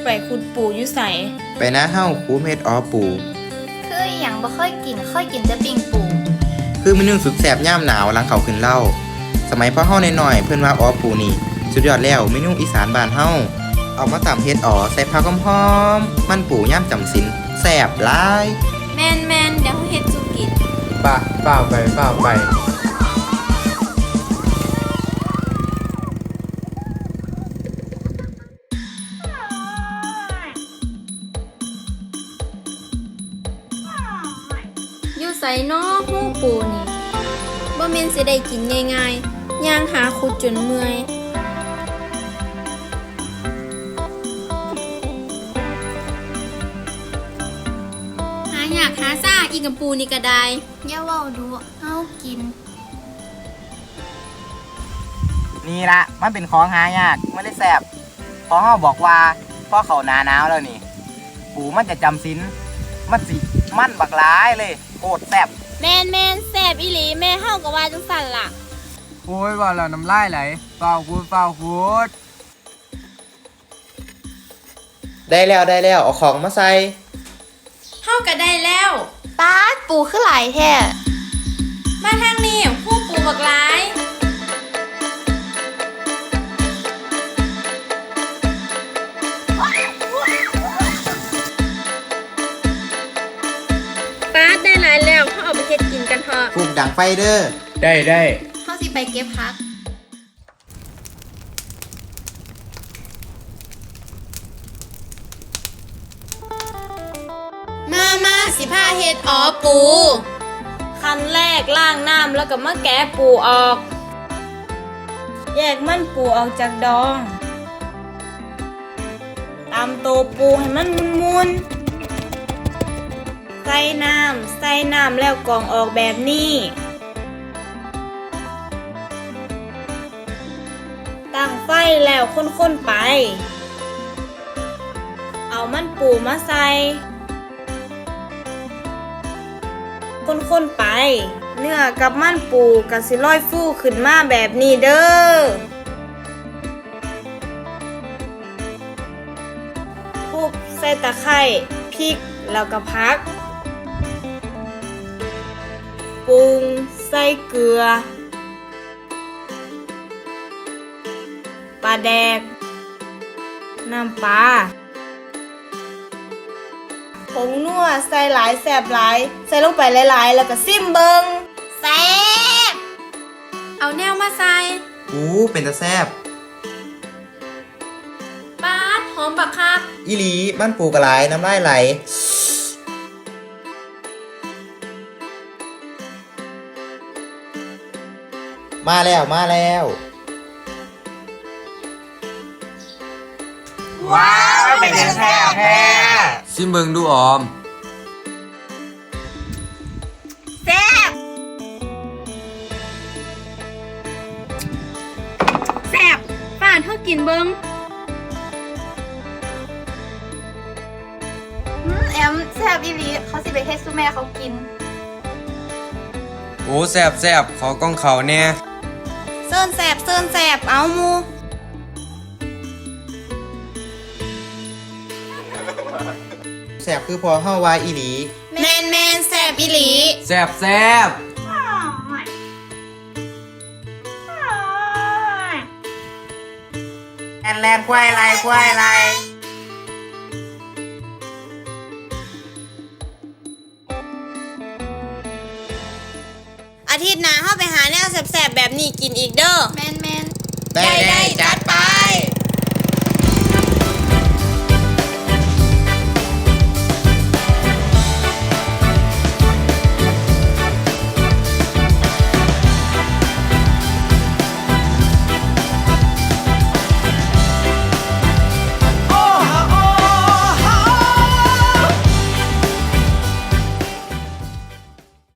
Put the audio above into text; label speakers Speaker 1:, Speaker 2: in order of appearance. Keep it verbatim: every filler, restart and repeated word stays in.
Speaker 1: ไปขุดปูอยู่ใส
Speaker 2: ไปนะเฮ้าคูเม็ดอ้อปู
Speaker 3: คืออหย่างบ่ค่อยกินค่อยกินแต่ปิ้งปู
Speaker 2: คือเมนูสุดแซ่บย่ามหนาวหลังเขาขึ้นเล่าสมัยพ่อเฮาหน่อยๆเพื่อนว่าอ้อปูนี่สุดยอดแล้วเมนูอีสานบ้านเฮาเอามาตำเฮ็ดอ๋อใส่ผักหอมๆมันปูย่ามจำศีลแซ่บหลาย
Speaker 1: แมนแมนเดี๋ยวเฮ็ดสุกิน
Speaker 4: ป่ะเปล่าไปเปล่าไป
Speaker 1: อยู่ไสน้อฮู้ปูนี่บ่แม่นสิได้กินง่ายๆย่างหาขุดจนเมื่อยหาอยากหาซ่าอีกับปูนี่ก็ได้
Speaker 3: อย่าเว้าดูเฮากิน
Speaker 5: นี่ละมันเป็นของหายากไม่ได้แสบเพราะเขาบอกว่าพอเขาหนาหนาวแล้วนี่ปูมันจะจำศีลมันสิมันบักร้ายเลยโคตรแสบ
Speaker 1: แมนแมนแสบอีหลีแม่เฮาก็ว่าจังสั่นล่ะ
Speaker 4: โอ้ยว่าแล้วน้ำลายไหลเปล่าคูดเปล่าคูด
Speaker 2: ได้แล้วได้แล้วเอาของมาใส่
Speaker 1: เฮาก็ได้แล้ว
Speaker 3: ป๊าดปูคือหลายแท้
Speaker 1: มาทางนี้ฮู้ปูบักหลายป๊าดได้หลายแล้วเฮาเอาไปเฮ็ดกินกันเถอะ
Speaker 2: ปลูกดังไฟเด้อ
Speaker 4: ได้ได้
Speaker 3: เฮาสิไปเก็บผัก
Speaker 1: มามาสิพาเฮ็ดอ๋อปู ขั้นแรกล้างน้ำแล้วก็มาแกะปูออกแยกมันปูออกจากดองตำตัวปูให้มันมุนๆใส่น้ำใส่น้ำแล้วกรองออกแบบนี้ตั้งไฟแล้วค้นๆไปเอามันปูมาใส่คนๆไปเนื้อกับมันปูกับสิลอยฟูขึ้นมาแบบนี้เด้อทุบใส่ตะไคร้พริกแล้วก็พักปรุงใส่เกลือปลาแดกน้ำปลาผงนัวใส่หลายแสบหลายใส่ลงไปหลายๆแล้วก็ซิมเบิงแซ่บเอาแนวมาใส่
Speaker 2: อู้เป็นตะแซ่บ
Speaker 1: ปาดหอมบักคัก
Speaker 2: อีหลีมันปูกระไรน้ำลายไหลมาแล้วมาแล้ว
Speaker 5: ว้าวเป็นยังแซ่บแท้
Speaker 4: ซิมเบิงดูออม
Speaker 1: แซ่บแซ่บป้าเท่ากินเบิง
Speaker 3: อืมแอมแซ่บอีหลีเขาสิไปเฮ็ดซุแม่เขากิน
Speaker 4: โอ้แซ่บแซ่บขอกล้องเขาแน่
Speaker 1: เซิร์นแซ่บเซิร์นแซ่บเอามู
Speaker 2: แซ่บคือพอเฮาวาอีหลี
Speaker 1: แมนแมนแซ่บอีหลี
Speaker 4: แซ่บแซ่บ
Speaker 5: แอนแลนควายไรควายไร
Speaker 1: อาทิตย์หน้าเฮาไปหาแนวแซ่บๆแบบนี้กินอีกเด้อ
Speaker 3: แมนแมน
Speaker 2: ได้ได้จัดไป